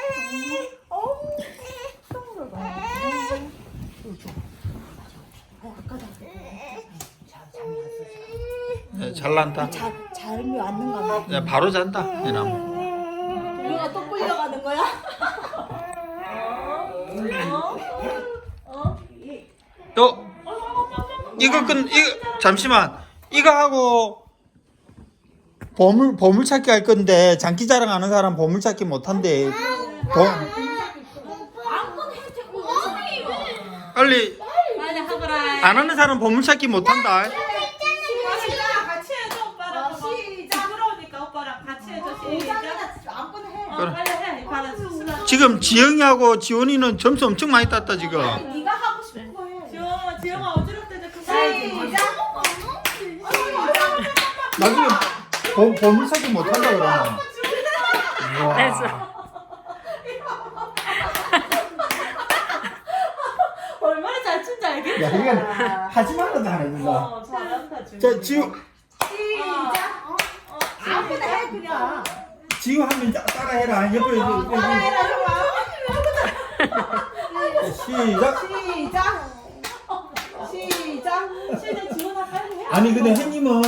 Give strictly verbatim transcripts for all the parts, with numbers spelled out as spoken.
네, 잘 난다. 자, 잠이 왔는가 봐. 야, 바로 잔다. 이 나무. 우리가 또 끌려가는 거야? 또 이거 끈 이거 잠시만. 이거 하고 보물 보물 찾기 할 건데 장기자랑 하는 사람 보물 찾기 못 한대. 빨리 빨리 하거라. 안 하는 사람 보물 찾기 못 한다. 같이 해줘 오빠랑. 시작. 부러우니까 오빠랑 같이 해줘. 시작. 아무거나 해. 어, 빨리 해. 받아 수술하. 지금 지영이하고 지원이는 점수 엄청 많이 땄다 지금. 네가 하고 싶은 거 해. 지영아, 지영아 어지럽대. 그 시작. 나중에 보, 보물 찾기 못 한다 그러면. 와. 얼마나 잘 춘지 알겠지? 야 이건 하지 말라도 안 해준다. 어, 잘한다 지금. 자 지우 시작. 아무거나 해 그냥. 지우 하면 따- 따라해라. 옆에 옆에. 따라해라 형아. 시작. 시작. 시작. 시작 지원아 빨리 해. 아니 근데 혜님은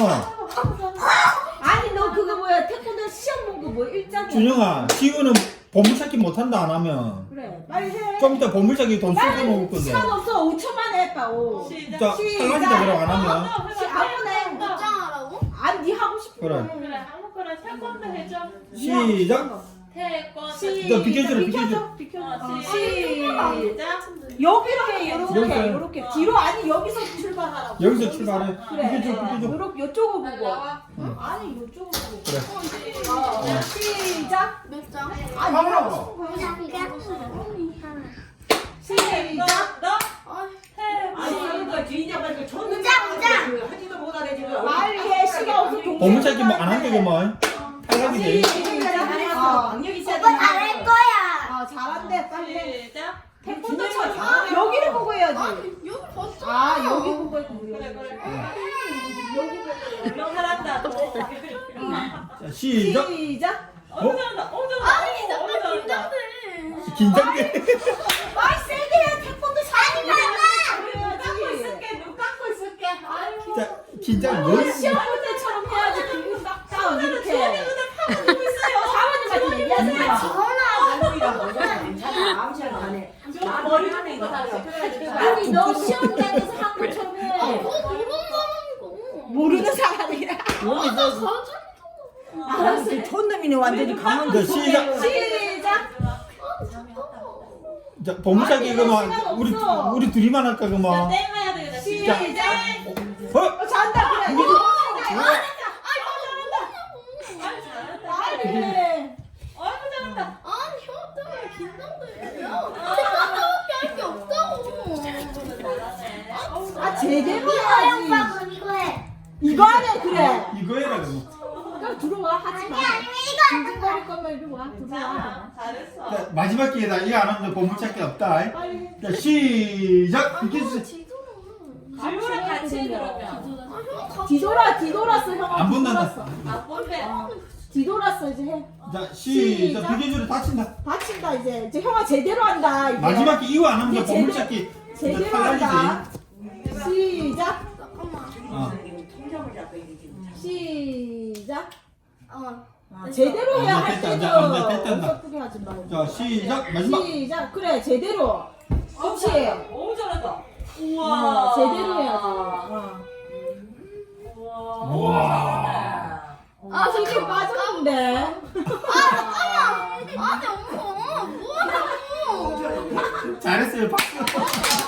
아니 너 그거 뭐야 태권도 시험 본 거 뭐 일장. 준영아 지우는 보물 찾기 못 한다 안 하면 그래 빨리 해. 좀 이따 보물 찾기 돈 쓰고 먹을 건데. 시간 없어 오초만 해 빨리. 시작. 자 탈락이다 그럼 안 하면. 아무거나 해. 입장하라고? 아니 네 하고 싶은 그래. 거 해. 그래 아무거나 태권도 해줘. 시작. 태권도. 너 비켜줘라, 비켜줘. 비켜줘. 어, 어, 시작. 시작. 여기로 해 요렇게 여기서. 요렇게 뒤로 아니 여기서 출발하라고. 여기서 출발해. 그래. 비켜줘 비켜줘. 요렇게 요쪽을 보고. 응. 아니 요쪽을 보고. 그래. 어, 시작. 몇 장? 아니 하나. 하고 싶은 거 해. 시작. 너 아니 이거 뒤냐 말고 줬는데 우장, 우장. 그 하지도 못하네 지금. 빨리 해 시간 없어 동생. 보물 찾기 뭐 안 한다고만. 탈락이지. 어. 강력 있어야 오빠 잘할 거야. 아 잘한대 빨리 해. 시작. 태권도처럼 아, 여기를 보고 해야지. 아니 여기 봤어. 아 여기 보고 했고 그래 그래. 여기 보고. 너 잘한다. 자 시작. 시작. 어 잘한다. 어 잘한다. 아니 잠깐 긴장돼. 긴장돼. 아 세게 해 태권도 사람이 눈 감고 해야지. 있을게. 눈 감고 있을게. 아이고. 자 긴장 뭐? 시험 볼 때처럼 해야지. 그리고 딱딱 이렇게. 하고 있어요. 사모님한테 얘기하지 마. 할머니랑 뭐잖아 괜찮아 아무 시간 안 해. 좀 머리 하는 거 다시 그래야지. 아니 너 시험장에서 한 것처럼 해. 그거 모르는 사람이고. 모르는 사람이라. 가져. 알았어. 촌놈이네 완전히 강한 자 시작. 시작. 자 보물 찾기 그만 우리 우리 둘이만 할까 자, 그만. 땡 해야 되겠다. 시작. 어? 어, 잘한다 그래. 이거 빨리 해. 아이고 잘한다. 아니 형 때문에 긴장돼. 생각밖에 할 게 없다고. 아 제대로 오빠 해야지. 그럼 이거 해. 이거 하네 그래. 이거 해라 그럼. 그럼 들어와 하지 마. 아니면 이거 징징거릴 거면 이리 와. 들어와. 자, 잘했어. 자 마지막 기회다. 이거 안 하면 보물 찾기 없다. 빨리. 자 시작. 비켜주세요. 지우랑 같이 해 그러면. 아, 뒤돌아 뒤돌았어 형아. 안 본단다. 뒤돌았어. 아 본대. 뒤돌았어 이제 해. 자 시작. 시작. 비켜주래 다친다. 다친다 이제. 이제 형아 제대로 한다 이제. 마지막 기 이거 안 하면 이제 보물 제대로- 찾기 제대로 탈락이지. 한다. 시작. 잠깐만. 어. 통장을 잡고 이게 지금. 시작. 어. 제대로 해야 아, 할 됐다, 때도 이제, 아, 이제 됐다, 이제. 어설프게 하지 말고. 자 시작. 마지막. 시작. 그래 제대로. 그렇지. 오 잘한다. 어, 우와. 제대로 해야지. 어. 우와. 우와. 아 솔직히 잠깐만. 빠졌는데. 아니 엄마 뭐하냐고. 잘했어요. 박수.